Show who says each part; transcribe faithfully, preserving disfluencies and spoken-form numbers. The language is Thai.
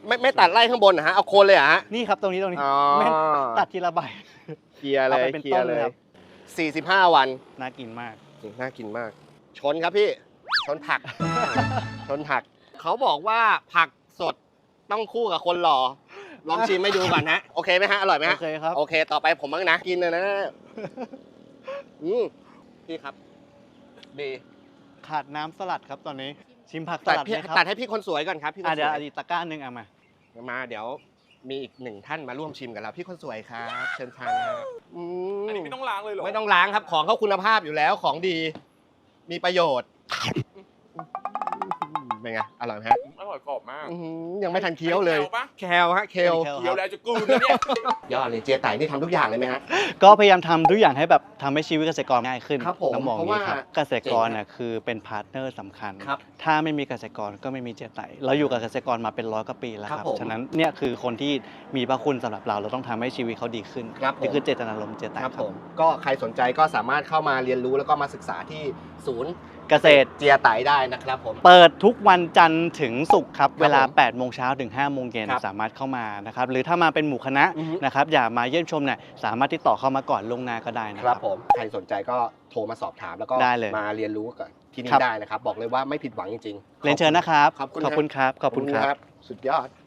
Speaker 1: ไม่ไม่ตัดไล่ข้างบนนะฮะเอาโคนเลยเหรอฮะ
Speaker 2: นี่ครับตรงนี้ตรงนี้
Speaker 1: อ๋อ
Speaker 2: ไม่ตัดทีละใบ
Speaker 1: เคลียร์เลย
Speaker 2: เอาไปเป็น
Speaker 1: เคลียร์
Speaker 2: ต้น
Speaker 1: เล
Speaker 2: เลย
Speaker 1: ย
Speaker 2: ครับ
Speaker 1: สี่สิบห้าวัน
Speaker 2: น่ากินมาก
Speaker 1: น่ากินมาก ชนครับพี่ ชนผัก ชนผัก เขาบอกว่าผักสดต้องคู่กับคนหล่อ ลองชิมให้ดูก่อนนะ โอเคไหมฮะ อร่อยไหม
Speaker 2: โอ
Speaker 1: ฮะ
Speaker 2: เคครับ
Speaker 1: โอเค ต่อไปผมบ้างนะ กินเลยนะ อืมพี่ครับ ดี
Speaker 2: ขาดน้ำสลัดครับตอนนี้ ชิมผักส
Speaker 1: ตัด
Speaker 2: ลัด
Speaker 1: พี่
Speaker 2: ไหมครับ
Speaker 1: ตัดให้พี่คนสวยก่อนครับ พี่คน
Speaker 2: อ่ะ
Speaker 1: ส
Speaker 2: เดี๋ยว
Speaker 1: วย
Speaker 2: อดีตตะกร้าหนึ่งเอามา
Speaker 1: มาเดี๋ยวมีอีกหนึ่งท่านมาร่วมชิมกับเรา พี่คนสวยครับ เชิญทานครับอืม
Speaker 3: อันนี้ไม่ต้องล้างเลยเหรอ
Speaker 1: ไม่ต้องล้างครับ ของเขาคุณภาพอยู่แล้ว ของดี มีประโยชน์เป็นไง อร่อยไหมฮะ
Speaker 3: อร่อยกรอบมาก
Speaker 1: อื้อหือยังไม่ทันเคี้ยวเลย
Speaker 3: แคลปะ
Speaker 1: แคลฮะ เคล
Speaker 2: แคล
Speaker 3: เคี้ยวแล้วจะกลืนแล้วเนี่ย
Speaker 1: ยอดเลยเจียไต่นี่ทำทุกอย่างเลยไหมฮะ
Speaker 2: ก็พยายามทำทุกอย่างให้แบบทำให้ชีวิตเกษตรกรง่ายขึ้น
Speaker 1: ครับผม
Speaker 2: ต้องมอง
Speaker 1: เพ
Speaker 2: อ
Speaker 1: ราะ
Speaker 2: ย่างนี้ครับ
Speaker 1: ว่า
Speaker 2: เกษตรกรน่ะคือเป็นพาร์ทเนอร์สำคัญ
Speaker 1: ครับ
Speaker 2: ถ้าไม่มีเกษตรกรก็ไม่มีเจไตเราอยู่กับเกษตรกรมาเป็นร้อยกว่าปีแล้วค
Speaker 1: ครั
Speaker 2: รั
Speaker 1: บบ ผม
Speaker 2: ฉะนั้นเนี่ยคือคนที่มีพระคุณสำหรับเราเราต้องทำให้ชีวิตเขาดีขึ้น
Speaker 1: ครับผม
Speaker 2: นี่คือเจตนารมณ์เจไต
Speaker 1: ครับ
Speaker 2: ครั
Speaker 1: ผ
Speaker 2: บ
Speaker 1: มก็ใครสนใจก็สามารถเข้ามาเรียนรู้แล้วก็มาศึกษาที่ศูนย์
Speaker 2: เกษตร
Speaker 1: เจียไต่ได้นะครับผม
Speaker 2: เปิดทุกวันจันทร์ถึงศุกร์ครับ
Speaker 1: ครับ
Speaker 2: เวลา
Speaker 1: ผม
Speaker 2: แปดโมงเช้าถึงห้าโมงเย็น
Speaker 1: ครับ
Speaker 2: สามารถเข้ามานะครับหรือถ้ามาเป็นหมู่คณะ
Speaker 1: อือฮึ
Speaker 2: นะครับอย่ามาเยี่ยมชมเนี่ยสามารถติดต่อเข้ามาก่อนล่วงหน้าก็ได้นะ
Speaker 1: ค
Speaker 2: ค
Speaker 1: รั
Speaker 2: รั
Speaker 1: บบ ผมใครสนใจก็โทรมาสอบถามแล้วก็
Speaker 2: ได้เลย
Speaker 1: มาเรียนรู้กันที่นี่
Speaker 2: ครับ
Speaker 1: ได้นะครับ บอกเลยว่าไม่ผิดหวังจริงๆ
Speaker 2: เรียนเชิญนะครับ
Speaker 1: ขอบคุณ
Speaker 2: ขอบคุณครับขอบคุณครับ
Speaker 1: สุดยอด